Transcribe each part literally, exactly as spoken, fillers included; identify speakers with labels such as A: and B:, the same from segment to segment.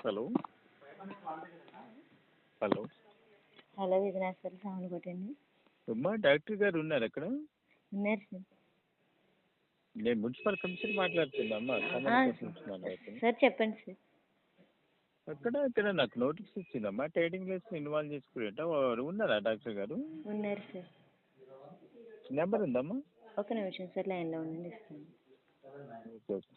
A: Hello hello
B: hello Vighneshwara sound కొట్టండి.
A: అమ్మా doctor గారు ఉన్నారు అక్కడ?
B: ఉన్నారు సార్.
A: నేను మున్సిపల్ కమిషనర్ మాట్లాడుతున్నా అమ్మా.
B: సార్ చెప్పండి సార్.
A: అక్కడ ఇక్కడ నాకు నోటీస్ ఇచ్చిందమ్మా, ట్రేడింగ్ లెస్ ఇన్వాల్వ్ చేసుకుంటా ఉన్నారా డాక్టర్ గారు?
B: ఉన్నారు సార్.
A: నెంబర్ ఉందమ్మా?
B: ఒక నిమిషం సార్, లైన్లో ఉండండి, ఇస్తాను.
A: Okay okay.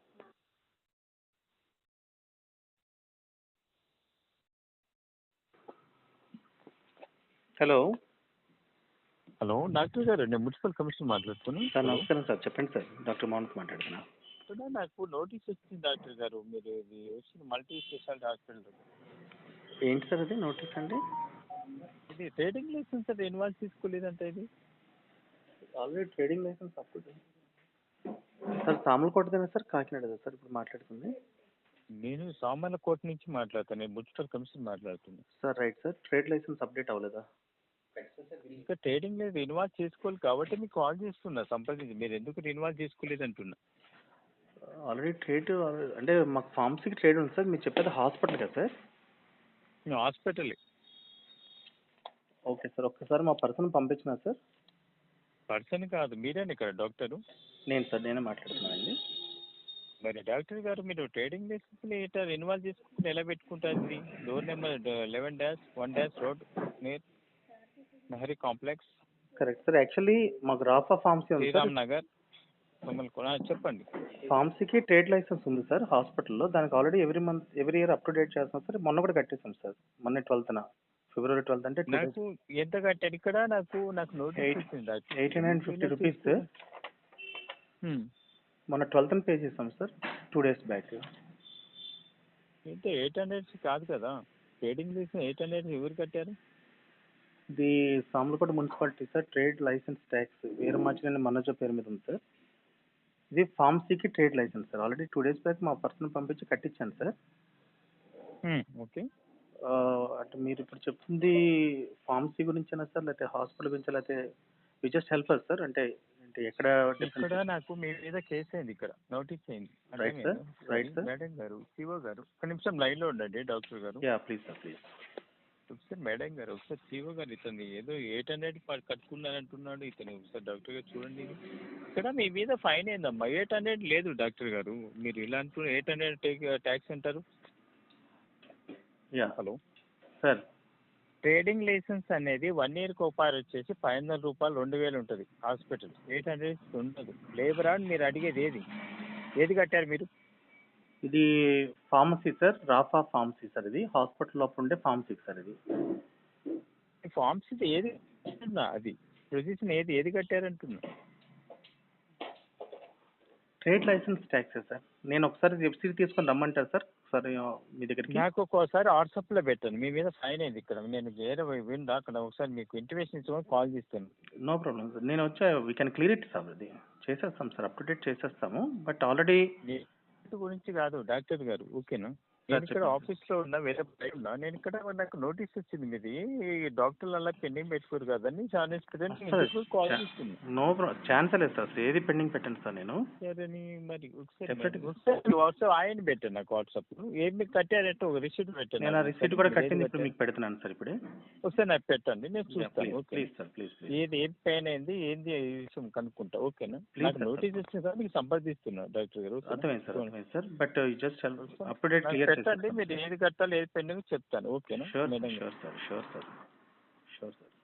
C: Hello
A: hello doctor గారు, నేను మున్సిపల్ కమిషనర్ మాట్లాడుతున్నాను
C: సార్. నమస్కారం సార్, చెప్పండి సార్. డాక్టర్ మౌంట్ మాట్లాడుతున్నా.
A: ఇక్కడ నాకు నోటీస్ వచ్చింది డాక్టర్ గారు, మీరు ఇది వచ్చింది మల్టీ స్పెషాలిటీ హాస్పిటల్.
C: ఏంటి సార్ అది నోటీస్ అండి?
A: ఇది ట్రేడింగ్ లైసెన్స్ అది ఇన్వాల్వ్ తీసుకోలేదంటే ఇది
C: ఆల్రెడీ ట్రేడింగ్ లైసెన్స్ అప్పుడు సార్ సామలకోటదేనా సార్, కాకినాడ సార్ ఇప్పుడు మాట్లాడుతుంది?
A: నేను సామర్లకోట నుంచి మాట్లాడతాను, నేను మున్సిపల్ కమిషనర్ మాట్లాడుతున్నాను
C: sir. Right sir. Trade license update అవ్వలేదా?
A: ఇంకా ట్రేడింగ్ లేదు, ఇన్వాల్వ్ చేసుకోవాలి కాబట్టి మీకు కాల్ చేస్తున్నా సంప్రదించి. మీరు ఎందుకు ఇన్వాల్వ్ చేసుకోలేదు అంటున్నా.
C: ఆల్రెడీ ట్రేడ్ అంటే మాకు ఫార్మసీకి ట్రేడ్ ఉంది సార్. మీరు చెప్పేది హాస్పిటల్ కదా సార్?
A: హాస్పిటల్.
C: Okay sir. ఒక్కసారి మా పర్సన్ పంపించినా సార్?
A: పర్సన్ కాదు, మీరేనా ఇక్కడ డాక్టరు?
C: నేను సార్, నేనే మాట్లాడుతున్నానండి.
A: మరి డాక్టర్ గారు, మీరు ట్రేడింగ్ లైసెన్స్ ఇట్లా ఇన్వాల్వ్ చేసుకుని ఎలా పెట్టుకుంటారు? Door number eleven dash one dash road near నెహరీ కాంప్లెక్స్.
C: Correct sir. యాక్చువల్లీ మాకు రాఫా ఫార్మసీ ఉంది సార్,
A: శ్రీరామ్ నగర్ సోమల్కోట. చెప్పండి.
C: ఫార్మసీకి ట్రేడ్ లైసెన్స్ ఉంది సార్ హాస్పిటల్లో. దానికి already every month every year up to date చేస్తాం సార్. మొన్న కూడా కట్టేసాం సార్, మొన్న ట్వెల్త్న ఫిబ్రవరి ట్వెల్త్ అంటే
A: నాకు ఎంత కట్టారు ఇక్కడ? నాకు నాకు నోటీస్ వచ్చింది
C: eight hundred and fifty rupees sir. మొన్న ట్వెల్త్న పే చేసాం సార్, టూ డేస్ బ్యాక్.
A: అయితే ఎయిట్ హండ్రెడ్స్ కాదు కదా, ట్రేడింగ్ లైసెన్స్ ఎయిట్ హండ్రెడ్ ఎవరు కట్టారు?
C: ఇది Samalkota municipality sir. Trade license tax Veeramachineni Manoja పేరు మీద ఉంది సార్. ఇది ఫార్మసీకి trade license sir. Already two days back మా పర్సన్ పంపించి కట్టించాను సార్.
A: ఓకే.
C: అంటే మీరు ఇప్పుడు చెప్తుంది ఫార్మసీ గురించేనా సార్, లేకపోతే హాస్పిటల్ గురించి, లేకపోతే we just help us sir? అంటే అంటే ఎక్కడ
A: ఇక్కడ నాకు మీ మీద కేసు అయింది, ఇక్కడ నోటీస్ అయింది.
C: Right sir. Right sir.
A: Madam గారు, సిఓ గారు, ఒక నిమిషం లైన్ లో ఉండండి డాక్టర్ గారు.
C: Yeah please sir, please.
A: ఒకసారి మేడం గారు, ఒకసారి సిఓ గారు, ఇతను ఏదో ఎయిట్ హండ్రెడ్ కట్టుకున్నారంటున్నాడు ఇతను. ఒకసారి డాక్టర్ గారు చూడండి. ఇక్కడ మీ మీద ఫైన్ అయిందమ్మా. ఎయిట్ హండ్రెడ్ లేదు డాక్టర్ గారు, మీరు ఇలా అంటూ ఎయిట్ హండ్రెడ్ ట్యాక్స్ అంటారు.
C: Yeah
A: hello
C: sir.
A: Trading license అనేది వన్ ఇయర్ కోపార్ వచ్చేసి పది వందల రూపాయలు రెండు వేలు ఉంటుంది హాస్పిటల్. ఎయిట్ హండ్రెడ్ ఉండదు. లేబర్ అని మీరు అడిగేది ఏది ఏది కట్టారు మీరు?
C: ఇది pharmacy sir, Rafa pharmacy sir. ఇది హాస్పిటల్ లోపల ఉండే ఫార్మసీ సార్. ఇది
A: ఫార్మసీ ఏది అది పొజిషన్ ఏది ఏది కట్టారంటున్నా?
C: Trade license tax sir. నేను ఒకసారి వెబ్సైట్ తీసుకొని రమ్మంటారు సార్ ఒకసారి మీ దగ్గరికి?
A: నాకు ఒక్కోసారి వాట్సాప్లో పెట్టండి. మీ మీద ఫైన్ అయింది ఇక్కడ, నేను వేరే విండా అక్కడ ఒకసారి మీకు ఇంటిమేషన్ ఇచ్చుకొని కాల్ చేస్తాను.
C: No problem sir. నేను వచ్చా we can clear it sir. అది చేసేస్తాం సార్, అప్ టు డేట్ చేసేస్తాము. బట్ ఆల్రెడీ
A: గురించి కాదు డాక్టర్ గారు, ఓకేనా? నేను ఇక్కడ ఆఫీస్లో ఉన్నా, వేరే బయట ఉన్నా. నేను ఇక్కడ నాకు నోటీస్ వచ్చింది మీది, డాక్టర్లు అలా పెండింగ్ పెట్టుకోరు కదండి. చాలా కాల్ చేస్తుంది.
C: నో ప్రాబ్లం, ఛాన్స్ లేదు సార్. ఏది పెండింగ్ పెట్టండి సార్. నేను
A: సరే మరి ఒకసారి ఒకసారి వాట్సాప్ ఆయన పెట్టండి నాకు. వాట్సాప్ ఏది మీకు కట్టారంటే ఒక రిసీట్ పెట్టండి.
C: నేను ఆ రిసీట్ కూడా కట్టింది ఇప్పుడు మీకు పెడుతున్నాను సార్. ఇప్పుడే
A: ఒకసారి నాకు పెట్టండి, నేను చూస్తాను.
C: Please sir, please.
A: ఏది ఏది పెయిన్ అయింది ఏంది విషయం కనుక్కుంటా, ఓకేనా? నాకు నోటీస్ వచ్చింది సార్, మీకు సంప్రదిస్తున్నా డాక్టర్ గారు.
C: అర్థమైంది సార్, అర్థమైంది sir. But just up to date clear
A: పెట్టండి. మీరు ఏది కట్టాలి ఏది పెండింగ్ చెప్తాను, ఓకేనా?
C: Sure sure sir, sure sir, sure sir.